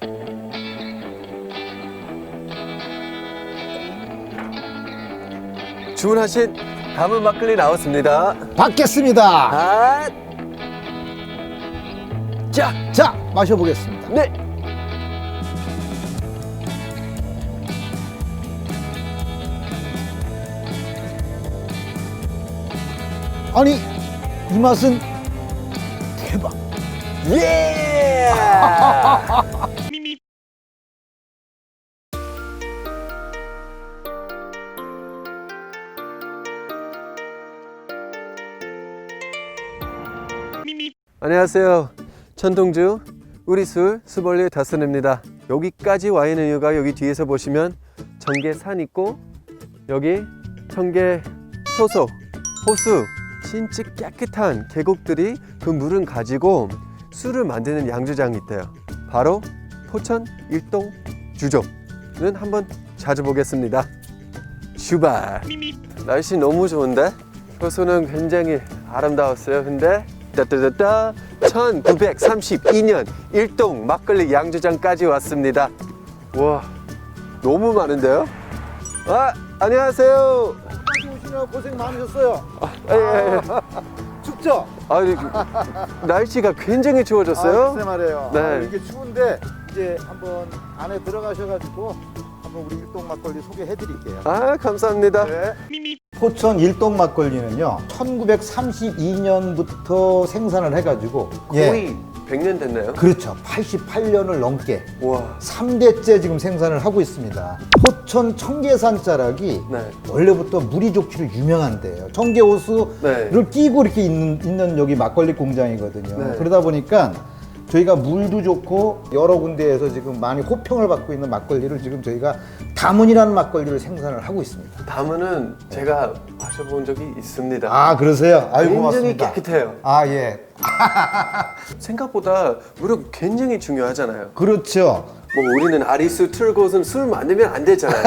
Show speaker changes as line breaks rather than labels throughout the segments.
주문하신 담은 막걸리 나왔습니다.
받겠습니다.
아,
자, 마셔보겠습니다.
네.
아니, 이 맛은 대박.
예! 안녕하세요. 천동주 우리술 수벌리 다스입니다. 여기까지 와 있는 이유가 여기 뒤에서 보시면 청계산 있고 여기 청계 효소, 호수, 진짜 깨끗한 계곡들이 그 물은 가지고 술을 만드는 양조장이 있대요. 바로 포천 일동 주조는 한번 찾아보겠습니다. 출발! 날씨 너무 좋은데? 효소는 굉장히 아름다웠어요. 근데 따따따따 1932년 일동 막걸리 양조장까지 왔습니다. 와, 너무 많은데요? 아, 안녕하세요.
여기까지 오시느라 고생 많으셨어요.
예.
춥죠?
날씨가 굉장히 추워졌어요.
글쎄 말이에요.
네.
이게 추운데 이제 한번 안에 들어가셔가지고 한번 우리 일동 막걸리 소개해드릴게요.
아, 감사합니다.
네. 포천 일동 막걸리는요 1932년부터 생산을 해가지고
거의 100년 됐나요?
그렇죠. 88년을 넘게
와,
3대째 지금 생산을 하고 있습니다. 포천 청계산 자락이
네.
원래부터 물이 좋기로 유명한데요. 청계호수를
네.
끼고 이렇게 있는 여기 막걸리 공장이거든요.
네.
그러다 보니까 저희가 물도 좋고 여러 군데에서 지금 많이 호평을 받고 있는 막걸리를 지금 저희가 다문이라는 막걸리를 생산을 하고 있습니다.
다문은 제가 마셔본 적이 있습니다.
아, 그러세요? 아유,
굉장히
고맙습니다.
깨끗해요.
아, 예.
생각보다 물은 굉장히 중요하잖아요.
그렇죠.
뭐 우리는 아리수 틀곳은 술 만들면 안 되잖아요.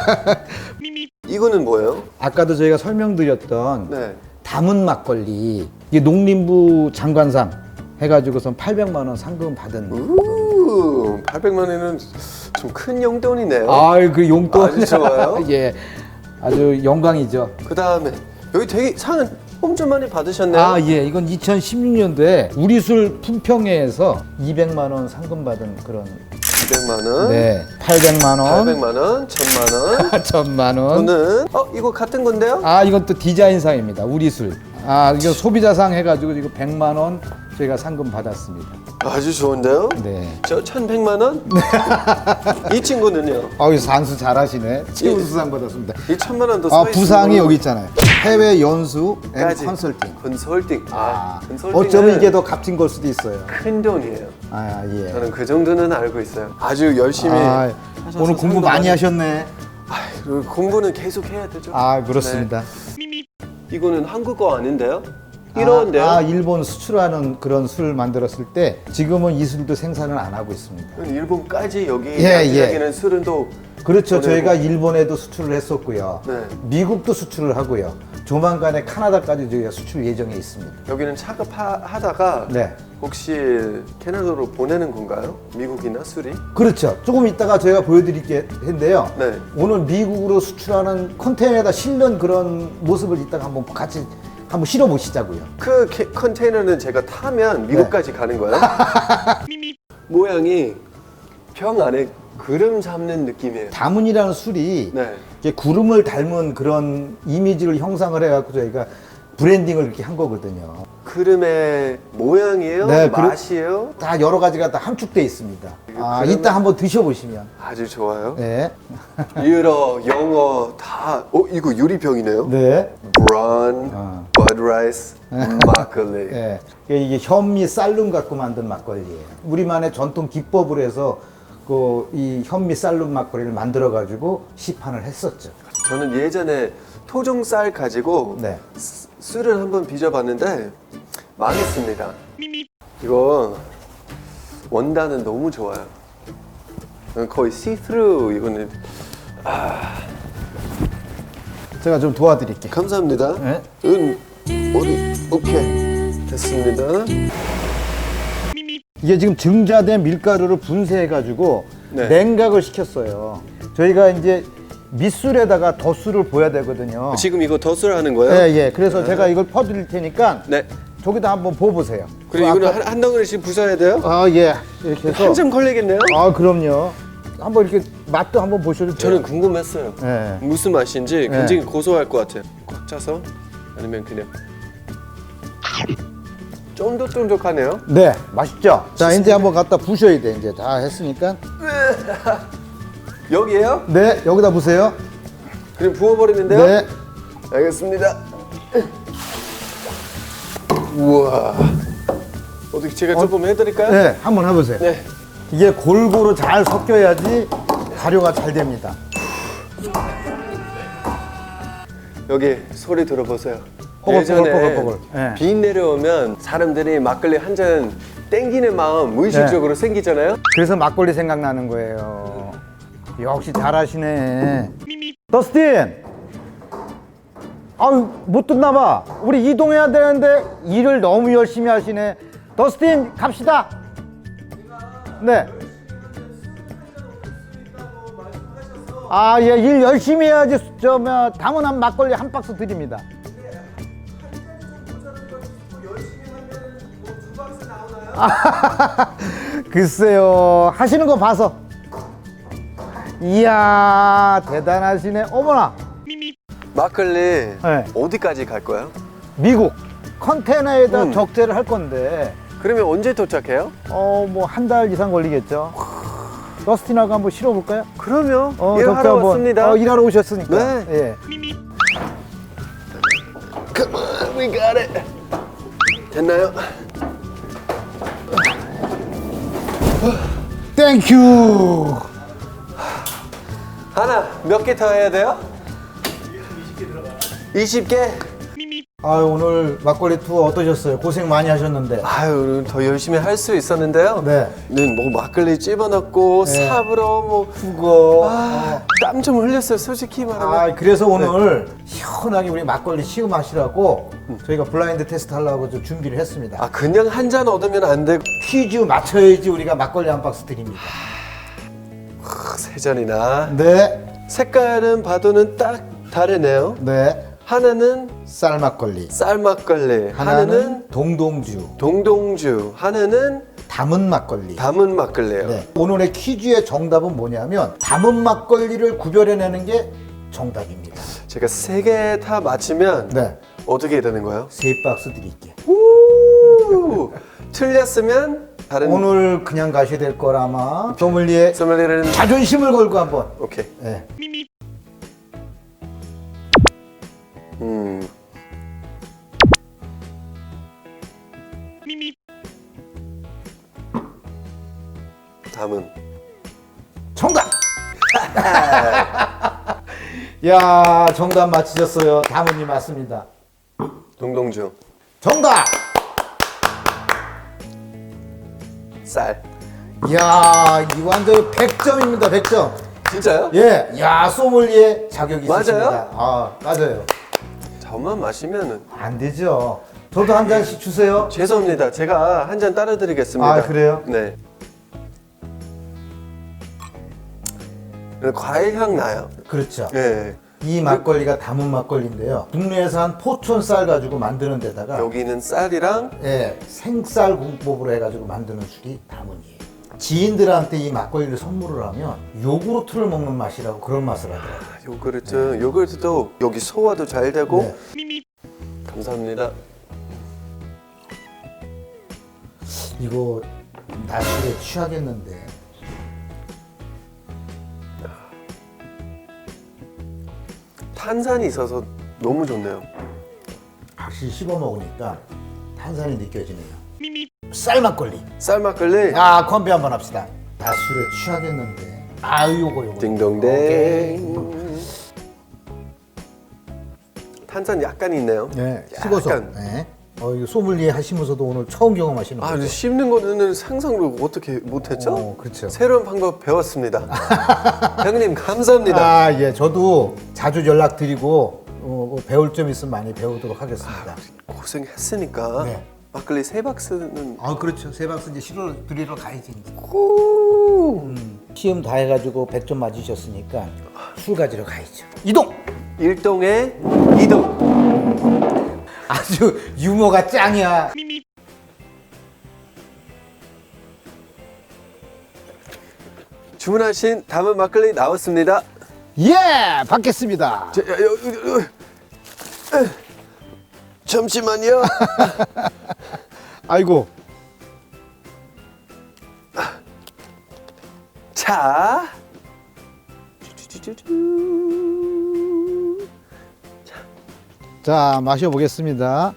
이거는 뭐예요?
아까도 저희가 설명드렸던
네.
담은 막걸리, 이게 농림부 장관상 해가지고선 800만 원 상금 받은.
800만 원은 좀 큰 용돈이네요.
아유, 그 용돈.
아주 좋아요.
예, 아주 영광이죠.
그 다음에 여기 되게 상은 엄청 많이 받으셨네요.
아, 예, 이건 2016년도에 우리술 품평회에서 200만 원 상금 받은 그런.
200만 원,
네, 800만 원,
800만 원, 1000만 원.
1000만 원.
저는 이거 같은 건데요?
아, 이건 또 디자인상입니다. 우리술. 아, 이거 소비자상 해가지고 이거 100만 원 저희가 상금 받았습니다.
아주 좋은데요?
네.
저 1100만 원? 이 친구는요?
아유, 산수 잘하시네. 최우수상 받았습니다.
이 1000만 원도
아, 부상이 여기 있잖아요. 해외 연수 앤
까지.
컨설팅.
컨설팅. 컨설팅은
어쩌면 이게 더 값진 걸 수도 있어요.
큰 돈이에요.
아, 예.
저는 그 정도는 알고 있어요. 아주 열심히
아,
하셔서
오늘 공부
상도
많이 하셨네.
아유, 공부는 계속 해야 되죠.
아, 그렇습니다.
네. 이거는 한국어 아닌데요? 이런데요?
일본 수출하는 그런 술 만들었을 때 지금은 이 술도 생산을 안 하고 있습니다.
일본까지 여기
예,
양조장에는 술은 또
그렇죠.
보내고.
저희가 일본에도 수출을 했었고요.
네.
미국도 수출을 하고요. 조만간에 카나다까지 저희가 수출 예정에 있습니다.
여기는 차급하다가
네.
혹시 캐나다로 보내는 건가요? 미국이나 술이?
그렇죠. 조금 이따가 저희가 보여드릴 텐데요.
네.
오늘 미국으로 수출하는 컨테이너에다 실는 그런 모습을 이따가 한번 같이 한번 실어 보시자고요.
그 컨테이너는 제가 타면 미국까지 가는 거예요? 모양이 병 안에 구름 잡는 느낌이에요.
다문이라는 술이
네.
이제 구름을 닮은 그런 이미지를 형상을 해갖고 저희가 브랜딩을 이렇게 한 거거든요.
구름의 모양이에요?
네,
맛이에요?
다 여러 가지가 다 함축돼 있습니다. 아,
그러면-
이따 한번 드셔보시면.
아주 좋아요.
네.
유러, 영어 다. 이거 유리병이네요.
네.
브라운, 버드라이스, 막걸리.
네. 이게 현미 쌀룸 갖고 만든 막걸리예요. 우리만의 전통 기법으로 해서 이 현미 쌀룸 막걸리를 만들어 가지고 시판을 했었죠.
저는 예전에 토종쌀 가지고
네.
술을 한번 빚어봤는데 망했습니다. 이거 원단은 너무 좋아요. 거의 see-through. 이거는
제가 좀 도와드릴게요.
감사합니다.
네.
이건 오케이 됐습니다.
이게 지금 증자된 밀가루를 분쇄해가지고
네.
냉각을 시켰어요. 저희가 이제 밑술에다가 덧술을 보여야 되거든요.
지금 이거 덧술 하는 거예요?
예, 예. 그래서 제가 이걸 퍼드릴 테니까
네.
저기다 한번 부어보세요.
그리고 이거는 한 덩어리씩 부숴야 돼요?
아, 예. 이렇게 해서.
한참 걸리겠네요?
아, 그럼요. 한번 이렇게 맛도 한번 보셔도 돼요.
저는 궁금했어요.
예.
무슨 맛인지 굉장히 고소할 것 같아요. 꽉 차서 아니면 그냥 쫀득쫀득하네요.
네, 맛있죠? 자, 이제 한번 갖다 부셔야 돼. 이제 다 했으니까.
여기에요?
네, 여기다 부세요.
그럼 부어버리는데요?
네.
알겠습니다. 우와. 어떻게 제가 조금 해드릴까요?
네, 한번 해보세요.
네.
이게 골고루 잘 섞여야지 발효가 잘 됩니다.
여기 소리 들어보세요.
뽀글뽀글뽀글뽀글. 네.
비 내려오면 사람들이 막걸리 한 잔 땡기는 마음 무의식적으로 생기잖아요.
그래서 막걸리 생각나는 거예요. 역시 잘하시네. 더스틴! 아유, 못 듣나 봐. 우리 이동해야 되는데 일을 너무 열심히 하시네. 더스틴, 갑시다. 네. 아, 예, 일 열심히 해야지. 담은한 막걸리 한 박스 드립니다. 글쎄요, 하시는 거 봐서. 이야, 대단하시네. 어머나,
막걸리
네.
어디까지 갈 거예요?
미국 컨테이너에다 적재를 할 건데,
그러면 언제 도착해요?
뭐 한 달 이상 걸리겠죠. 더스틴하고 한번 실어볼까요?
그러면
적재
일하러
한번.
왔습니다.
일하러 오셨으니까.
네.
예.
Come on, we got it. 됐나요?
땡큐.
하나 몇 개 더 해야 돼요? 20개?
아유, 오늘 막걸리 투어 어떠셨어요? 고생 많이 하셨는데.
아유, 더 열심히 할 수 있었는데요.
네.
뭐 막걸리 집어넣고
네.
삽으로 뭐
그거.
땀 좀 흘렸어요, 솔직히 말하면.
아, 그래서 오늘 시원하게 우리 막걸리 시음하시라고 저희가 블라인드 테스트 하려고 좀 준비를 했습니다.
아, 그냥 한 잔 얻으면 안 되고
퀴즈 맞춰야지 우리가 막걸리 한 박스 드립니다.
세 잔이나.
네,
색깔은 봐도는 딱 다르네요.
네.
하나는
쌀막걸리.
쌀막걸리, 하나는
동동주.
동동주, 하나는
담은 막걸리.
담은 막걸리예요.
네. 오늘의 퀴즈의 정답은 뭐냐면 담은 막걸리를 구별해내는 게 정답입니다.
제가 세 개 다 맞히면
네.
어떻게 되는 거예요?
3박스 드릴게요.
우! 틀렸으면 다른
오늘 그냥 가셔야 될 거라마. 소믈리에
소믈리에는
자존심을 걸고 한번.
오케이.
네.
담은
정답! 야, 정답 맞히셨어요. 담은이 맞습니다.
동동주
정답!
쌀.
이야, 이 완전 100점입니다. 100점.
진짜요?
예, 야, 소믈리에 자격이
맞아요?
있으십니다. 아, 맞아요.
저만 마시면은
안 되죠. 저도 한 잔씩 주세요.
죄송합니다. 제가 한 잔 따라 드리겠습니다.
아, 그래요?
네. 과일 향 나요.
그렇죠.
네.
이 막걸리가 담은 막걸리인데요. 국내산 포천 쌀 가지고 만드는 데다가
여기는 쌀이랑
예, 생쌀 공법으로 해가지고 만드는 술이 담은이에요. 지인들한테 이 막걸리를 선물을 하면 요구르트를 먹는 맛이라고 그런 맛을 하더라고요.
요구르트, 요구르트도 여기 소화도 잘 되고.
네.
감사합니다.
이거 낮술에 취하겠는데.
탄산이 있어서 너무 좋네요.
확실히 씹어 먹으니까 탄산이 느껴지네요. 쌀 막걸리.
쌀 막걸리.
아, 건배 한번 합시다. 낮술에 취하겠는데. 아유, 요거. 오케이.
딩동댕. 탄산 약간 있네요.
네, 씹어서.
약간.
네. 이거 소믈리에 하시면서도 오늘 처음 경험하시는
아,
거죠?
근데 씹는 거는 상상을 어떻게 못했죠?
그렇죠.
새로운 방법 배웠습니다. 형님 감사합니다.
아, 예, 저도 자주 연락드리고 배울 점 있으면 많이 배우도록 하겠습니다.
고생했으니까
네.
막걸리 3박스는
아 그렇죠. 세 박스 이제 실어 드리러 가야지.
오!
시험 다 해가지고 100점 맞으셨으니까 술 가지러 가야죠. 이동.
1동에 2동.
아주 유머가 짱이야.
주문하신 담은 막걸리 나왔습니다.
예, 받겠습니다.
자, 잠시만요.
아이고.
자.
자, 마셔보겠습니다.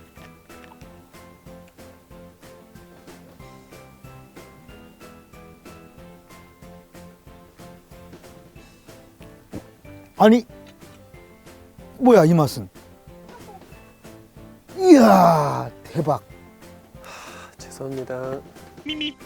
아니, 뭐야 이 맛은? 이야, 대박.
죄송합니다.